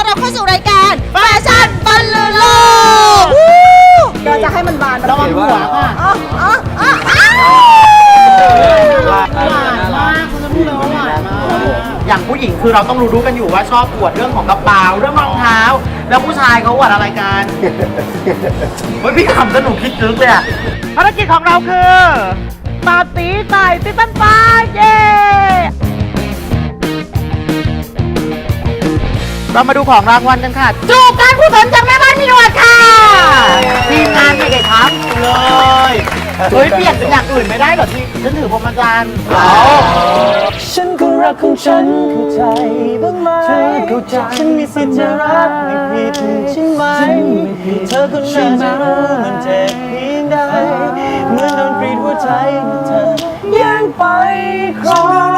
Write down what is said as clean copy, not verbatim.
รับเข้าสู่รายการแฟชั่นบอลลูนโลกเราจะให้มันบานระวังหัวค่ะหวานมากคุณจะพูดเลยว่าหวานมากอย่างผู้หญิงคือเราต้องรู้กันอยู่ว่าชอบอวดเรื่องของกระเป๋าเรื่องรองเท้าแล้วผู้ชายเขาอวดอะไรกันเฮ้ยพี่ขำสนุกคิดลึกเลยอะภารกิจของเราคือตาตีไต่ติตันฟ้าเย้เรามาดูของรางวัลกันค่ะจูบการกุศลจากแม่บ้านมีหนวดค่ะทีมงานไม่ได้ทำเลยเฮ้ยเปลี่ยนเป็นอย่างอื่นไม่ได้เหรอที่ฉันถือพรหมจรรย์ฉันก็รักของฉันเข้าใจบ้างไหมเธอเข้าใจฉันมีสิทธิ์จะรักไม่ผิดใช่ไหมเธอคนนั้นจะรู้มันเจ็บเพียงใดเหมือนโดนกรีดหัวใจเมื่อเธอแย่งไปครอง